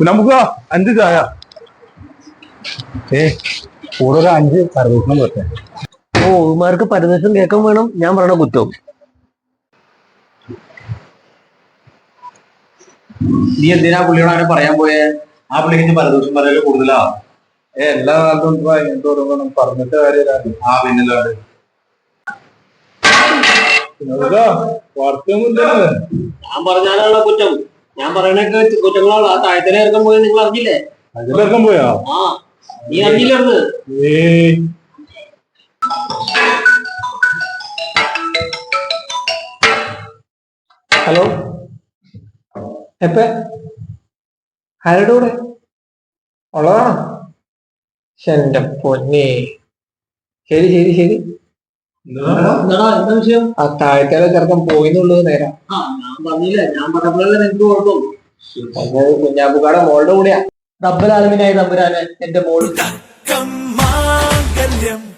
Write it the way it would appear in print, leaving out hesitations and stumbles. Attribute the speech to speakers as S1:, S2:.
S1: നമുക്ക് 5 ചായ. കൂടെ ഒരു 5 പരദൂഷണം പറ്റേ.
S2: ഓ ഉമാർക്ക് പരദൂഷണം കേൾക്കാൻ വേണം, ഞാൻ പറയണ കുറ്റവും.
S3: നീ എന്തിനാ പുള്ളിയോട് അങ്ങനെ പറയാൻ പോയേ? ആ പുള്ളിക്ക് പരദൂഷണം പറയല് കൂടുതലാ.
S1: എല്ലാ കാലത്തും ഇങ്ങനത്തെ ഓരോന്നും പറഞ്ഞിട്ട് കാര്യമില്ല.
S3: ആ പിന്നല്ലാണ്ട്
S2: ഞാൻ പറഞ്ഞാലുള്ള കുറ്റം. ഞാൻ പറയണൊക്കെ കുറ്റങ്ങളാണ്. ആ താഴത്തിലെ ഇറക്കം പോയി നിങ്ങൾ അറിഞ്ഞില്ലേ?
S1: അതിലിറക്കം പോയാ?
S2: ആ നീ അറിഞ്ഞില്ലായിരുന്നു. ഹലോ, എപ്പ ആരുടെ കൂടെ ഉള്ളതാണോ? എന്റെ പൊന്നെ, ശരി ശരി ശരി. ആ താഴത്തേലെ ചെറുക്കൻ പോയിന്നുള്ളത് നേരം. ഞാൻ പറഞ്ഞില്ല, ഞാൻ പറഞ്ഞപ്പോഴല്ലേ നിനക്ക് കുഴപ്പം. കുഞ്ഞാപ്പുക്കാടെ മോളുടെ കൂടെയാ. റബ്ബൽ ആലമീനായ തമ്പുരാനെ എന്റെ മോള്.